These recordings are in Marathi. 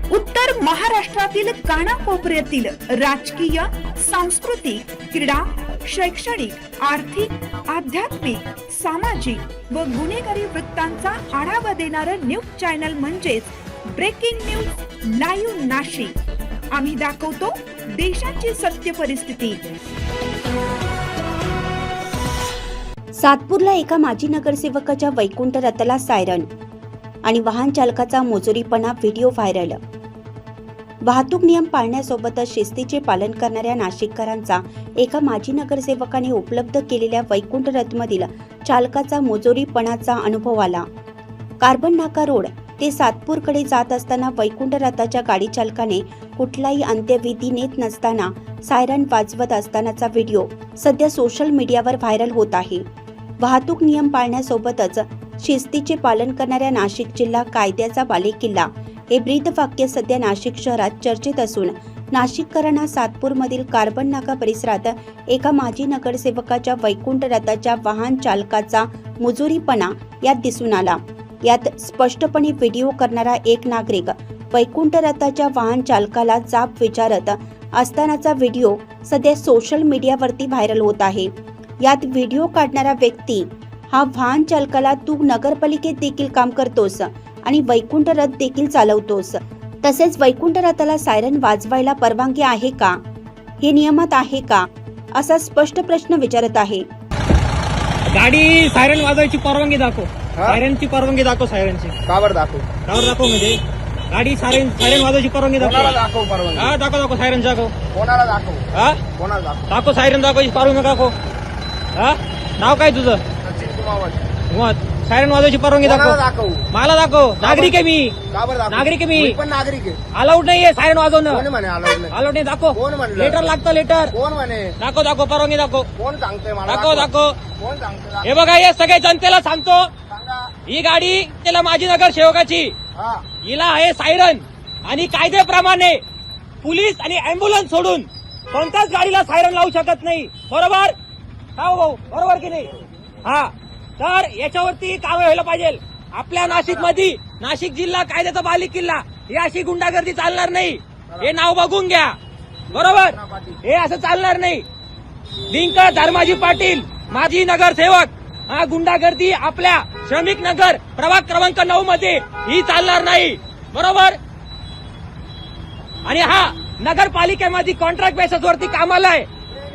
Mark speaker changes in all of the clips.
Speaker 1: उत्तर महाराष्ट्रातील कानाकोपऱ्यातील राजकीय, सांस्कृतिक, क्रीडा, शैक्षणिक, आर्थिक, आध्यात्मिक, सामाजिक व गुन्हेगारी वृत्तांचा आढावा देणारं न्यूज चॅनल म्हणजेच ब्रेकिंग न्यूज लाईव्ह नाशिक। आम्ही दाखवतो देशाची सत्य परिस्थिती।
Speaker 2: सातपूरला एका माजी नगरसेवकाच्या वैकुंठ रथाला सायरन आणि वाहन चालकाचा मोजोरीपणा व्हिडिओ व्हायरल। वाहतूक नियम पाळण्यासोबतच शिस्तीचे पालन करणाऱ्या नाशिककरांचा एका माजी नगरसेवकाने उपलब्ध केलेल्या वैकुंठ रथमधील चालकाचा मोजोरीपणाचा अनुभव आला। कार्बन नाका रोड ते सातपूरकडे जात असताना वैकुंठ रथाच्या गाडी चालकाने कुठलाही अंत्यविधी नेत नसताना सायरन वाजवत असतानाचा व्हिडिओ सध्या सोशल मीडियावर व्हायरल होत आहे। वाहतूक नियम पाळण्यासोबतच शिस्तीचे पालन करणाऱ्या नाशिक जिल्हा कायद्याचा बालेकिल्ला हे ब्रीदवाक्य सध्या नाशिक शहरात चर्चेत असून नाशिककरांना सातपूरमधील कार्बन नाका परिसरात एका माजी नगरसेवकाच्या वैकुंठ रथाच्या वाहन चालकाचा मुजोरीपणा यात दिसून आला। यात स्पष्टपणे व्हिडिओ करणारा एक नागरिक वैकुंठ रथाच्या वाहन चालकाला जाब विचारत असतानाचा व्हिडिओ सध्या सोशल मीडियावरती व्हायरल होत आहे। यात व्हिडिओ काढणारा व्यक्ती हा वाहन चालकाला तू नगरपालिकेत देखील काम करतोस आणि वैकुंठ रथ देखील चालवतोस, तसेच वैकुंठ रथाला सायरन वाजवायला परवानगी आहे का, हे नियमात आहे का, असा स्पष्ट प्रश्न विचारत आहे।
Speaker 3: गाडी सायरन वाजवायची परवानगी दाखव, सायरनची परवानगी दाखव, सायरनची
Speaker 4: कावर दाखव
Speaker 3: म्हणजे गाडी सायरन वाजवायची परवानगी दाखव।
Speaker 4: दाखव परवानगी।
Speaker 3: हा दाखव सायरन दाखव।
Speaker 4: कोणाला दाखव?
Speaker 3: हा
Speaker 4: कोणाला दाखव?
Speaker 3: दाखव सायरन दाखवायची परवानगी दाखव। हा नाव काय तुझं?
Speaker 4: सचिन कुमावत।
Speaker 3: मग सायरन वाजवायची परवानगी
Speaker 4: कोणाला
Speaker 3: दाखव।
Speaker 4: दाखव?
Speaker 3: मला दाखव, नागरिक आहे मी।
Speaker 4: कावर दाखव?
Speaker 3: नागरिक आहे मी
Speaker 4: पण नागरिक आहे।
Speaker 3: अलाउड नाहीये सायरन वाजवणं।
Speaker 4: कोण म्हणे अलाउड नाही?
Speaker 3: अलाउड नाही, दाखव।
Speaker 4: कोण म्हणलं?
Speaker 3: लेटर लागतं, लेटर
Speaker 4: कोण म्हणे?
Speaker 3: दाखव परवानगी दाखव।
Speaker 4: कोण सांगतोय मला?
Speaker 3: दाखव।
Speaker 4: कोण सांगतोय?
Speaker 3: हे बघा, हे सगळे जनतेला सांगतो,
Speaker 4: सांगा।
Speaker 3: ही गाडी त्याला माजी नगरसेवकाची,
Speaker 4: हा
Speaker 3: हिला आहे सायरन आणि कायद्याप्रमाणे पोलीस आणि अँब्युलन्स सोडून कोणत्याच गाडीला सायरन लावू शकत नाही, बरोबर? हा भाऊ, बरोबर की नाही? हा, तर याच्यावरती काम व्हायला पाहिजे। आपल्या नाशिक मध्ये, नाशिक जिल्हा कायद्याचा बालेकिल्ला, ही अशी गुंडागर्दी चालणार नाही। हे नाव बघून घ्या, बरोबर? हे असं चालणार नाही। लिंक धर्माजी पाटील माजी नगरसेवक, हा गुंडागर्दी आपल्या श्रमिक नगर प्रभाग क्रमांक 9 मध्ये ही चालणार नाही, बरोबर? आणि हा नगरपालिकेमध्ये कॉन्ट्रॅक्ट बेसिस वरती कामाला आहे,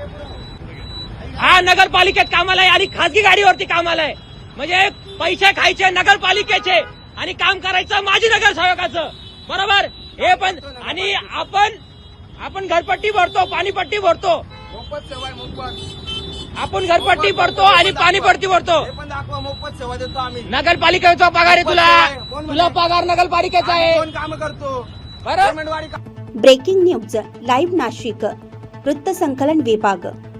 Speaker 3: हा नगरपालिकेत कामाला आहे आणि खासगी गाडीवरती कामाला आहे। म्हणजे पैसे खायचे नगरपालिकेचे आणि काम करायचं माजी नगरसेवकाचं, बरोबर? हे पण, आणि आपण घरपट्टी भरतो, पाणीपट्टी भरतो,
Speaker 4: मोफत सेवा आहे, मोफत।
Speaker 3: आपण घरपट्टी भरतो आणि पाणीपट्टी भरतो।
Speaker 4: हे पण दाखवा, मोफत सेवा देतो आम्ही।
Speaker 3: नगरपालिकेचा पगार आहे तुला पगार नगरपालिकेचा आहे,
Speaker 4: कोण काम करतो?
Speaker 3: बरं?
Speaker 4: पेमेंटवारी का?
Speaker 2: ब्रेकिंग न्यूज लाईव्ह नाशिक, वृत्त संकलन विभाग।